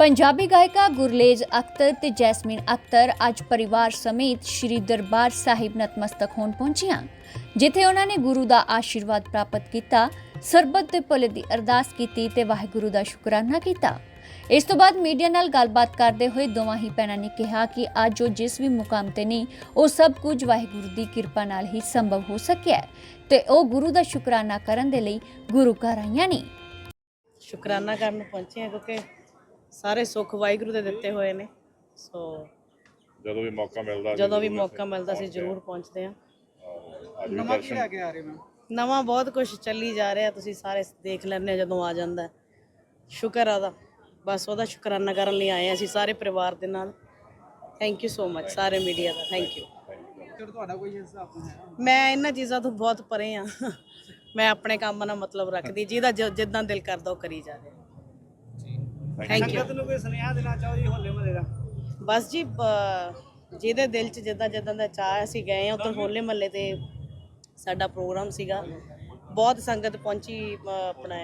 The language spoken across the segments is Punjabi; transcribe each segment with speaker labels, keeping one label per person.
Speaker 1: पंजाबी गायिका गुरलेज अख्तर ते जैस्मीन अख्तर अज परिवार समेत श्री दरबार साहिब नतमस्तक होण पहुंचियां, जिथे उन्होंने गुरु का आशीर्वाद प्राप्त किया, सरबत दे भले दी अरदास की ते वाहिगुरु का शुकराना किया। इस तो बाद मीडिया नाल गलबात करते हुए दोवां ही भैणां ने कहा कि अज वो जिस भी मुकाम ते नहीं, वो सब कुछ वाहिगुरु की कृपा नाल ही संभव हो सकिया ते वो गुरु का शुकराना करन दे लई गुरु घर आईयां ने।
Speaker 2: शुकराना करन पहुंचे हैं क्योंकि सारे सुख वाहिगुरु दे दिते हुए ने। सो
Speaker 3: ਜਦੋਂ ਵੀ ਮੌਕਾ ਮਿਲਦਾ
Speaker 2: ਸੀ ਜ਼ਰੂਰ ਪਹੁੰਚਦੇ ਆ।
Speaker 3: ਅੱਜ ਵੀ
Speaker 4: ਨਵਾਂ ਕੀ ਲੈ ਕੇ ਆ ਰਹੇ ਮੈਂ
Speaker 2: ਨਵਾਂ ਬਹੁਤ ਕੁਝ ਚੱਲੀ ਜਾ ਰਿਹਾ, ਤੁਸੀਂ ਸਾਰੇ ਦੇਖ ਲੈਣੇ ਜਦੋਂ ਆ ਜਾਂਦਾ। ਸ਼ੁਕਰ ਆ ਦਾ, ਬਸ ਉਹਦਾ ਸ਼ੁਕਰਾਨਾ ਕਰਨ ਲਈ ਆਏ ਅਸੀਂ ਸਾਰੇ ਪਰਿਵਾਰ ਦੇ ਨਾਲ। ਥੈਂਕ ਯੂ ਸੋ ਮਚ ਸਾਰੇ ਮੀਡੀਆ ਦਾ, ਥੈਂਕ ਯੂ।
Speaker 4: ਫਿਰ ਤੁਹਾਡਾ ਕੋਈ ਹਿਸਾਬ ਨਹੀਂ ਹੈ?
Speaker 2: ਮੈਂ ਇਹਨਾਂ ਚੀਜ਼ਾਂ ਤੋਂ ਬਹੁਤ ਪਰੇ ਆ। ਮੈਂ ਆਪਣੇ ਕੰਮ ਨਾਲ ਮਤਲਬ ਰੱਖਦੀ, ਜਿਹਦਾ ਜਿੱਦਾਂ ਦਿਲ ਕਰਦਾ ਉਹ ਕਰੀ ਜਾਵੇ। Thank you.
Speaker 4: ਨੂੰ ਕੋਈ ਸੁਨੇਹਾ ਦੇਣਾ ਚਾਹੋ ਜੀ ਹੋਲੇ ਮਹੱਲੇ ਦਾ?
Speaker 2: ਬਸ ਜੀ ਜਿਹਦੇ ਦਿਲ 'ਚ ਜਿੱਦਾਂ ਦਾ ਚਾਹ, ਅਸੀਂ ਗਏ ਉੱਧਰ ਹੋਲੇ ਮਹੱਲੇ ਤੇ ਸਾਡਾ ਪ੍ਰੋਗਰਾਮ ਸੀਗਾ। ਬਹੁਤ ਸੰਗਤ ਪਹੁੰਚੀ ਆਪਣਾ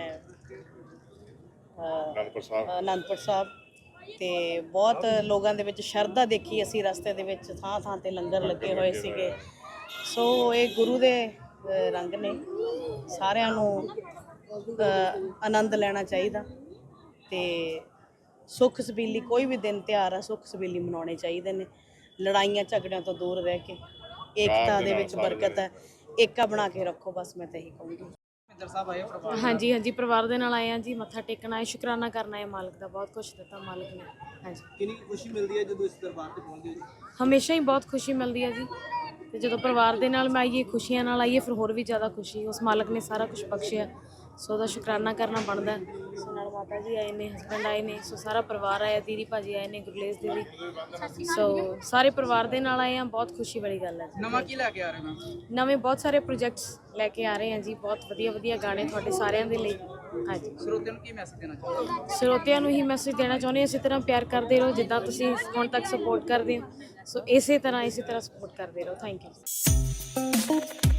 Speaker 2: ਅਨੰਦਪੁਰ ਸਾਹਿਬ ਤੇ ਬਹੁਤ ਲੋਕਾਂ ਦੇ ਵਿੱਚ ਸ਼ਰਧਾ ਦੇਖੀ ਅਸੀਂ। ਰਸਤੇ ਦੇ ਵਿੱਚ ਥਾਂ ਤੇ ਲੰਗਰ ਲੱਗੇ ਹੋਏ ਸੀਗੇ। ਸੋ ਇਹ ਗੁਰੂ ਦੇ ਰੰਗ ਨੇ, ਸਾਰਿਆਂ ਨੂੰ ਆਨੰਦ ਲੈਣਾ ਚਾਹੀਦਾ ਤੇ ਸੁੱਖ ਸਬੀਲੀ ਕੋਈ ਵੀ ਦਿਨ ਤਿਉਹਾਰ ਆ ਸੁੱਖ ਸਬੀਲੀ ਮਨਾਉਣੇ ਚਾਹੀਦੇ ਨੇ। ਲੜਾਈਆਂ ਝਗੜਿਆਂ ਤੋਂ ਦੂਰ ਰਹਿ ਕੇ ਏਕਤਾ ਦੇ ਵਿੱਚ ਬਰਕਤ ਹੈ, ਏਕਾ ਬਣਾ ਕੇ ਰੱਖੋ। ਬਸ ਮੈਂ ਤਾਂ ਇਹੀ ਕਹੂੰਗੀ।
Speaker 4: ਮਹਿੰਦਰ ਸਾਹਿਬ ਆਏ ਪਰਿਵਾਰ?
Speaker 5: ਹਾਂਜੀ ਪਰਿਵਾਰ ਦੇ ਨਾਲ ਆਏ ਹਾਂ ਜੀ, ਮੱਥਾ ਟੇਕਣ ਆਏ, ਸ਼ੁਕਰਾਨਾ ਕਰਨਾ ਹੈ ਮਾਲਕ ਦਾ। ਬਹੁਤ ਕੁਛ ਦਿੱਤਾ ਮਾਲਕ ਨੇ। ਹਾਂਜੀ,
Speaker 4: ਕਿੰਨੀ ਖੁਸ਼ੀ ਮਿਲਦੀ ਹੈ ਜਦੋਂ ਇਸ ਦਰਬਾਰ ਤੇ ਪਹੁੰਚਦੇ ਹੋ ਜੀ?
Speaker 5: ਹਮੇਸ਼ਾ ਹੀ ਬਹੁਤ ਖੁਸ਼ੀ ਮਿਲਦੀ ਹੈ ਜੀ, ਤੇ ਜਦੋਂ ਪਰਿਵਾਰ ਦੇ ਨਾਲ ਮੈਂ ਆਈਏ, ਖੁਸ਼ੀਆਂ ਨਾਲ ਆਈਏ, ਫਿਰ ਹੋਰ ਵੀ ਜ਼ਿਆਦਾ ਖੁਸ਼ੀ। ਉਸ ਮਾਲਕ ਨੇ ਸਾਰਾ ਕੁਝ ਬਖਸ਼ਿਆ, ਸੋ ਉਹਦਾ ਸ਼ੁਕਰਾਨਾ ਕਰਨਾ ਬਣਦਾ। ਸੋ ਨਾਲ ਮਾਤਾ ਜੀ ਆਏ ਨੇ, ਹਸਬੈਂਡ ਆਏ ਨੇ, ਸੋ ਸਾਰਾ ਪਰਿਵਾਰ ਆਇਆ, ਦੀਦੀ ਭਾਜੀ ਆਏ ਨੇ, ਗੁਰਲੇਸ ਦੀਦੀ, ਸੋ ਸਾਰੇ ਪਰਿਵਾਰ ਦੇ ਨਾਲ ਆਏ ਹਾਂ। ਬਹੁਤ ਖੁਸ਼ੀ ਵਾਲੀ ਗੱਲ ਹੈ।
Speaker 4: ਨਵਾਂ ਕੀ ਲੈ ਕੇ ਆ ਰਹੇ ਮੈਂ?
Speaker 5: ਨਵੇਂ ਬਹੁਤ ਸਾਰੇ ਪ੍ਰੋਜੈਕਟਸ ਲੈ ਕੇ ਆ ਰਹੇ ਹਾਂ ਜੀ, ਬਹੁਤ ਵਧੀਆ ਗਾਣੇ ਤੁਹਾਡੇ ਸਾਰਿਆਂ ਦੇ ਲਈ। ਹਾਂਜੀ,
Speaker 4: ਸਰੋਤਿਆਂ ਨੂੰ ਕੀ ਮੈਸੇਜ ਦੇਣਾ ਚਾਹੁੰਦੇ?
Speaker 5: ਸਰੋਤਿਆਂ ਨੂੰ ਹੀ ਮੈਸੇਜ ਦੇਣਾ ਚਾਹੁੰਦੇ ਹਾਂ, ਇਸੇ ਤਰ੍ਹਾਂ ਪਿਆਰ ਕਰਦੇ ਰਹੋ ਜਿੱਦਾਂ ਤੁਸੀਂ ਹੁਣ ਤੱਕ ਸਪੋਰਟ ਕਰਦੇ ਹੋ। ਸੋ ਇਸੇ ਤਰ੍ਹਾਂ ਸਪੋਰਟ ਕਰਦੇ ਰਹੋ। Thank you.